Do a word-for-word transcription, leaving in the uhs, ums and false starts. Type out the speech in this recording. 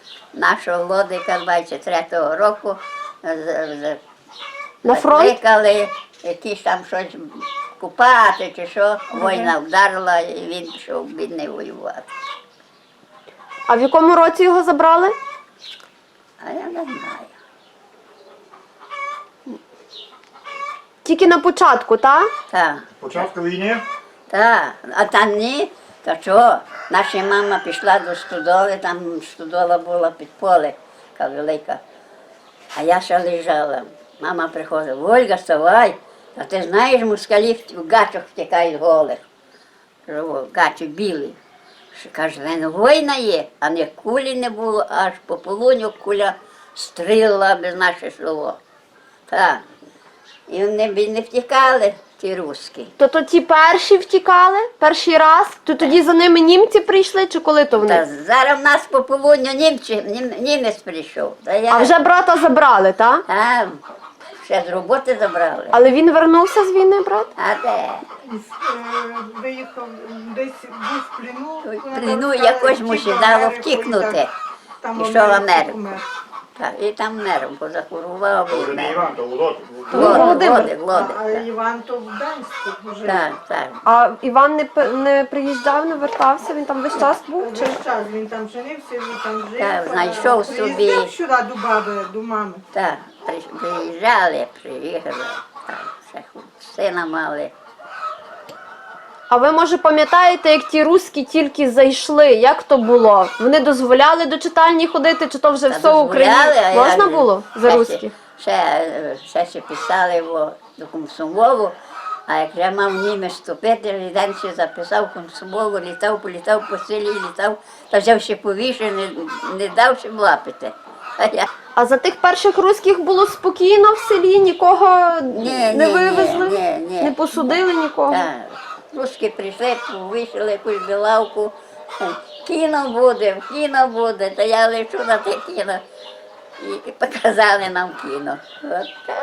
нашого Лодика двадцять третього року На фронт? закликали якісь там щось купати чи що. Війна вдарила і він пішов бідний воювати. А в якому році його забрали? А я не знаю. Тільки на початку, так? Так. Початку війни? Так, а там ні, то чого? Наша мама пішла до стодоли, там стодола була під поле, така велика. А я ще лежала. Мама приходить, Ольга, вставай, а ти знаєш, москалі в гачах втікають голих. Кажу, гачі білі. Що, каже, він війна є, а не кулі не було, аж по полуню куля стріла без наше село. Так. І вони б не втікали, ті руски. То то ті перші втікали, перший раз, то тоді за ними німці прийшли, чи коли то Та вони? зараз в нас по полудню німці, нім, німець прийшов. Та я, А вже брата забрали, так? А, ще з роботи забрали. Але він вернувся з війни, брат? А де? Е, Виїхав десь був в плену. В плену якось мусить дало втікнути. Пішов в Америку. Так, і там мером позахворував. То вже не Іван, то Володь. Лодик, Володимир. лодик, лодик. А Іван то в Гданську вже. Так, так. А Іван не, п- не приїжджав, не вертався, він там весь час був? Чи? Весь час він там женився, він там жив. Так, а знайшов собі- приїздив сюди до баби, до мами. Так, при- приїжджали, приїхали. Так, ще сина мали. А ви, може, пам'ятаєте, як ті руські тільки зайшли? Як то було? Вони дозволяли до читальні ходити, чи то вже Та все в Україні? дозволяли, а Можна як же? було за Ще- руських? Ще, ще, ще писали його до комсомолу, а як вже мав німець вступити, Ріденці записав комсомолу, літав, політав по селі, літав, та взяв ще повіше, не, не дав ще лапити. А я, А за тих перших руських було спокійно в селі, нікого Ні, не ні, вивезли, ні, ні, ні. не посудили нікого. так, русські прийшли, вийшли якусь білавку, кіно буде, кіно буде, та я лечу на те кіно. І показали нам кіно. От так.